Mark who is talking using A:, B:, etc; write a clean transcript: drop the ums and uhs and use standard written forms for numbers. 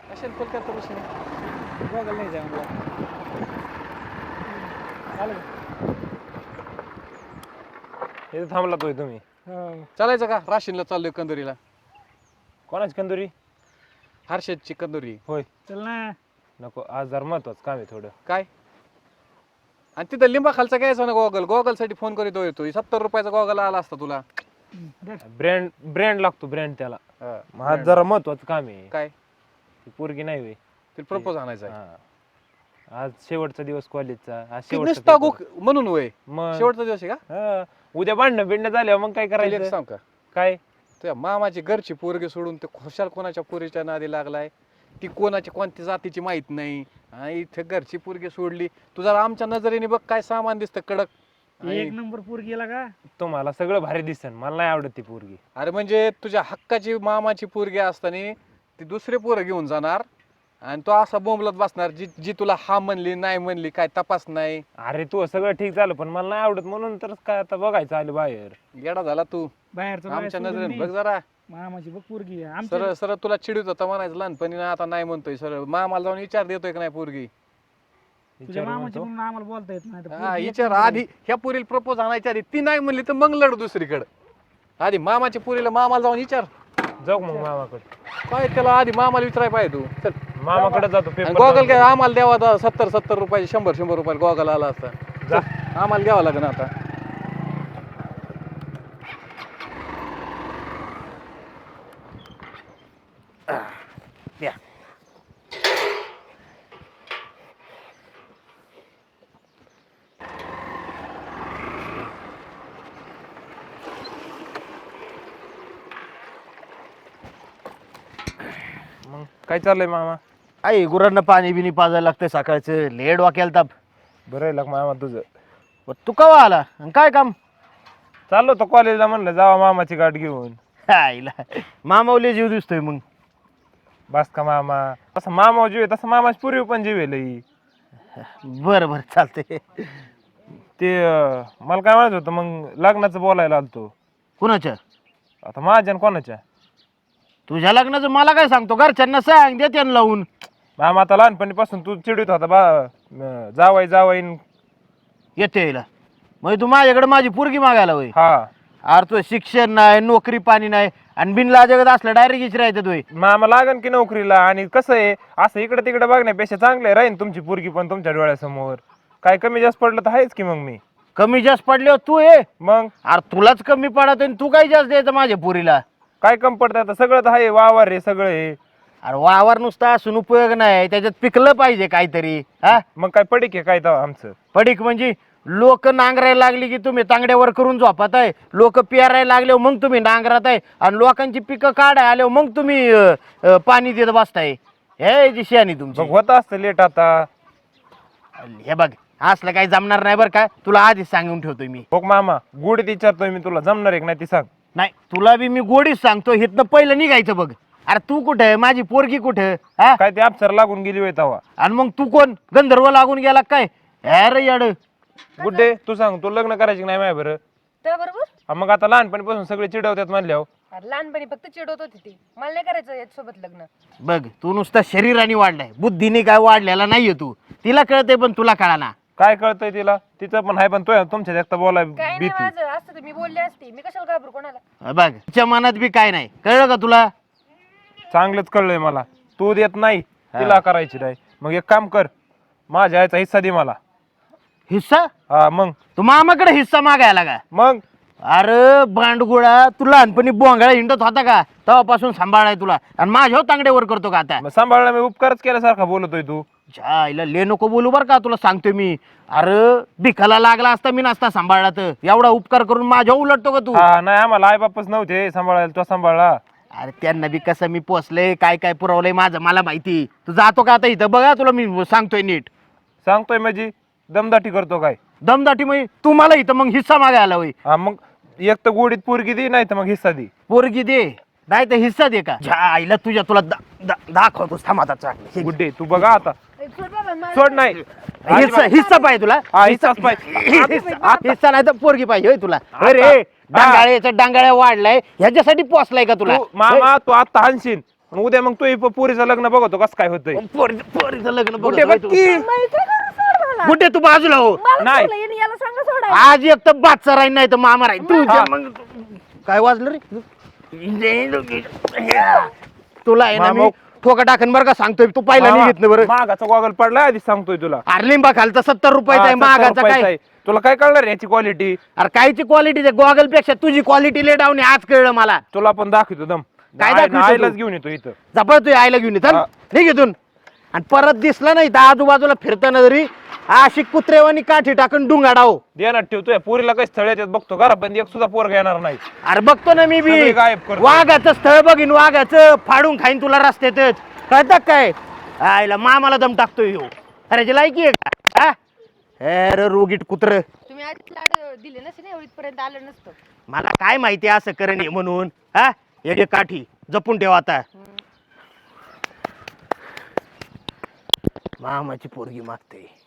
A: असेल कोलकाता विषयी बघायला नाही जाय मला आलं
B: इथे थांबला तोय तुम्ही.
A: चालायचं का? राशीनला चाललोय कंदुरीला.
B: कोणाची कंदुरी?
A: हर्षदची कंदुरी.
B: होय.
C: चल ना.
B: नको, आज जरा महत्वाचं काम आहे थोडं.
A: काय? आणि तिथं लिंबा खालचा घ्यायचा ना गॉगल. गॉगल साठी फोन करीत येतो. 70 रुपयाचा गॉगल आला असता तुला.
B: ब्रँड ब्रँड लागतो, ब्रँड त्याला.
A: हा,
B: आज जरा महत्वाचं काम आहे.
A: काय?
B: ती पोरगी नाही होय.
A: तिला प्रपोज आणायचा आहे.
B: हा. आज शेवटचा दिवस कॉलेजचा. आज
A: ती
B: शेवटचा
A: नुसता
B: पेपर.
A: म्हणून वय
B: मग
A: शेवटचा दिवस आहे का?
B: हा. उद्या भांडणं बिंडणं झाल्यावर मग काय
A: तुला एक
B: करायचं?
A: सांग का?
B: काय?
A: तुझ्या मामाची घरची पोरगी सोडून ते खुशाल कोणाच्या पोरीच्या नादी लागलाय. ती कोणाची कोणत्या जातीची माहित नाही आणि इथे घरची पोरगी सोडली. तू जरा आमच्या नजरेने बघ काय सामान दिसतं कडक.
C: एक नंबर पोर गेला का?
B: तुम्हाला सगळं भारी दिसन, मला नाही आवडत ती पोरगी.
A: अरे म्हणजे तुझ्या हक्काची मामाची पोरगी असताना ती दुसरे पोरं घेऊन जाणार आणि तो असा बोंबलत बसणार जी जी तुला हा म्हणली नाही म्हणली काय तपास नाही.
B: अरे तू सगळं ठीक झालं पण मला नाही आवडत म्हणून तर काय आता बघायचं आलं बाहेर.
A: येडा झाला तू.
C: बाहेरचं
A: आमच्या
C: बघायचं
A: नजरेने
C: सोडून
A: बघ जरा.
C: मामाची बघ पोरगी
A: सरळ सरळ तुला चिडवत होता म्हणायचं लहानपणी ना आता नाही म्हणतोय. सरळ मामाला जाऊन विचार देतोय का नाही पोरगी.
C: तुझ्या
B: विचारू
C: मामाची
B: म्हणतो.
C: म्हणून आम्हाला बोलता येत नाही तर
A: हा
C: पोरगी
A: विचार
C: एक नंबर
A: आधी ह्या पुरीला प्रपोज आणायच्या आधी ती नाही म्हणली तर मग लढ दुसरीकडे. आधी मामाच्या पुरीला मामाला जाऊन विचार.
B: जाऊ मग मामाकडे.
A: काय त्याला आधी मामाला विचाराय पाहिजे तू. चल
B: मामाकडे जातो
A: आणि
B: पेपर.
A: गॉगल काय आम्हाला द्यावा 70 रुपयाचे 100 रुपयाला गॉगल आला असता.
B: जा.
A: आम्हाला घ्यावं लागेल आता.
B: द्या. मग काय चाललंय मामा?
D: आई गुरांना पाणी बिनी पाजायला लागतंय सकाळचं. लेड वाक्याला ताप.
B: बरं आहे लाग मामा तुझं.
D: तू कवा आला आणि काय काम?
B: चाललो तो कॉलेजला, म्हणलं जावा मामाची गाठ घेऊन.
D: आईला मामावले जीव दिसतोय मग.
B: बस का मामा, तसं मामा जीव आहे तसं मामाची पूर्वी पण जीव आहे लई.
D: बरं बरं चालतंय.
B: ते मला काय म्हणायचं होतं, मग लग्नाचं बोलायला आलतो.
D: कुणाच्या?
B: आता माझ्या आणि कोणाच्या?
D: तुझ्या लग्नाचं मला काय सांगतो? घरच्यांना सांग, दे त्यांना लावून.
B: मामा आता लहानपणीपासून तू चिडवीत होता जावाई जावाई.
D: येते यायला मग तू माझ्याकडे माझी पोरगी मागायला होय?
B: हा.
D: अरे तुझं शिक्षण नाही, नोकरी पाणी नाही आणि बिनला जगत असलं डायरेक्ट इचरायचं तुय.
B: मामा लागन की नोकरीला. आणि कसं आहे, असं इकडे तिकडे बघण्यापेक्षा चांगलं राहीन तुमची पोरगी पण तुमच्या डोळ्यासमोर. काय कमी जास्त पडलं तर आहेच की मग मी.
D: कमी जास्त पडल्यावर तू ये.
B: मग
D: अरे तुलाच कमी पडत आणि तू काय जास्त द्यायचं माझ्या पोरीला?
B: काय कमी पडतं आता? सगळं तर आहे, वावर आहे सगळं आहे.
D: अरे वावर नुसता असून उपयोग नाही, त्याच्यात पिकलं पाहिजे काहीतरी. हा
B: मग काय पडी की काय तर आमचं?
D: पडीक म्हणजे लोक नांगरायला लागली की तुम्ही तांगड्यावर करून झोपत आहे. लोक पेरायला लागले मग तुम्ही नांगरात आहे आणि लोकांची पिकं काढाय आल्यावर मग तुम्ही पाणी देत बसताय. हे जी शहाणी तुमची.
B: मग होत असतं लेट आता.
D: हे बघ असलं काही जमणार नाही बरं का, तुला आधीच सांगून ठेवतोय मी.
B: हो मामा, गुढीत विचारतोय मी तुला, जमणार आहे का नाही ती सांग.
D: नाही तुला बी मी गोडीच सांगतो, हिथनं पहिलं निघायचं बघ. अरे तू कुठे, माझी पोरगी कुठे? हा
B: काय ते अप्सर लागून गेली होय तवा.
D: आणि मग तू कोण, गंधर्व लागून गेला काय? अरे याड
B: गुड्डे तू सांग, तू लग्न करायची नाही माय बरं?
E: त्या बरोबर.
B: मग आता लहानपणीपासून सगळे चिडवतात म्हणल्यावर.
E: अरे लहानपणी फक्त चिडवत होती ती, मला नाही करायचं याच्यासोबत लग्न.
D: बघ तू नुसता शरीराने वाढलाय, बुद्धीने काय वाढलेला नाहीये तू. तिला कळतंय पण तुला कळाना.
B: काय कळतंय तिला? तिचं पण आहे, पण तो तुमच्या एकटा बोलाय
E: काय नाही
B: भीती.
E: माझं असतं तर मी बोलले असते, मी कशाला घाबरू कोणाला.
D: बघ तिच्या मनात बी काय नाही, कळलं का तुला?
B: चांगलंच कळलंय मला. तू देत नाही, तिला करायची नाही. मग एक काम कर, माझ्या आईचा हिस्सा दे मला.
D: हिस्सा?
B: हा मग.
D: तू मामाकडे हिस्सा मागायला का?
B: मग
D: अरे बांडगुळा, तू लहानपणी बोंगाळा हिंडत होता का? तेव्हापासून सांभाळाय तुला आणि माझ्या तांगड्यावर करतो का आता?
B: मग सांभाळला मी, उपकारच केल्यासारखा बोलतोय तू.
D: जायला ले नको बोलू बर का, तुला सांगतोय मी. अरे भिकाला लागला असता मी नसता सांभाळला तर एवढा उपकार करून माझ्या उलटतो का तू?
B: हा नाही, आम्हाला आई बापच नव्हते सांभाळायला, तो सांभाळला.
D: अरे त्यांना बी कसं मी पोचलंय, काय काय पुरवलंय माझं मला माहिती. तू जातो का आता इथं? बघा तुला मी सांगतोय नीट.
B: सांगतोय म्हणजे दमदाटी करतो काय?
D: दमदाटी म्हणजे तू मला इथं मग हिस्सा मागायला होय?
B: हा मग एक तर गोडीत पोरगी दे, नाही तर मग हिस्सा दे.
D: पोरगी दे नाही तर हिस्सा दे का? आईला तुझ्या तुला दाखवतोस थांब आता चांगलं.
B: गुड्डे तू बघा आता.
E: सोड बाबा, मला-
B: सोड नाही.
D: हिस्सा पाहिजे तुला?
B: हा, हिस्साच पाहिजे.
D: हिस्सा नाही तर पोरगी पाहिजे होय तुला? अरे डांगाळ्याचा डांगाळ्या वाढलाय ह्याच्यासाठी पोचलाय का तुला?
B: तू मामा, तू आता हाणशील. आणि उद्या मग तू पोरीचं लग्न बघतो कसं काय होतंय.
D: पोरीचं लग्न
B: कुठे
D: बघत
B: बघ की?
D: कुठे तू बाजूला हो
B: नाही.
E: याला सांगा सोडा.
D: आज एक तर बादचा राहील नाही तर मामा राहील तुझ्या मग काय वाजलं रे तुला आहे ना मी
B: मामा.
D: ठोका टाकन बरं का सांगतोय तू पहिला
B: मामा,
D: निघत बरं
B: मागाचा गॉगल पडलाय आधी सांगतोय तुला.
D: अरे लिंबा खालचा 70 रुपयाचा आहे
B: हा, 70
D: मागाचा
B: रुपयाचा
D: काय
B: आहे. तुला काय कळणार याची क्वालिटी.
D: अरे कायची क्वालिटी गॉगल पेक्षा तुझी क्वालिटी ले डाऊन आज कळलं मला
B: तुला पण दाखवतो दम.
D: काय दाखवतो
B: आईलाच
D: तू?
B: घेऊन येतो इथं.
D: जपळ तू आईला घेऊन चल
B: हा.
D: निघ इथून आणि परत दिसला नाही तर आजूबाजूला फिरताना जरी अशी कुत्रेवानी काठी टाकून डुंगाडाव
B: देणार ठेवतोय पोरीला काही स्थळ येतात बघतो घरा पण एक सुद्धा पोरगा येणार नाही.
D: अरे बघतो ना मी बी
B: सगळे गायब करतो.
D: वाघाचं स्थळ बघीन वाघाचं फाडून खाईन तुला रस्त्यातच कळतं काय आईला मामाला दम टाकतोय ह्यो. अरे जी लायकी आहे का हा? अरे रोगीट कुत्र
E: तुम्ही आधीच लाड दिले नसे ना एवढीपर्यंत आलं नसतं.
D: मला काय माहिती असं करण आहे म्हणून हा एक एक काठी जपून ठेव आता मामाची पोरगी मागते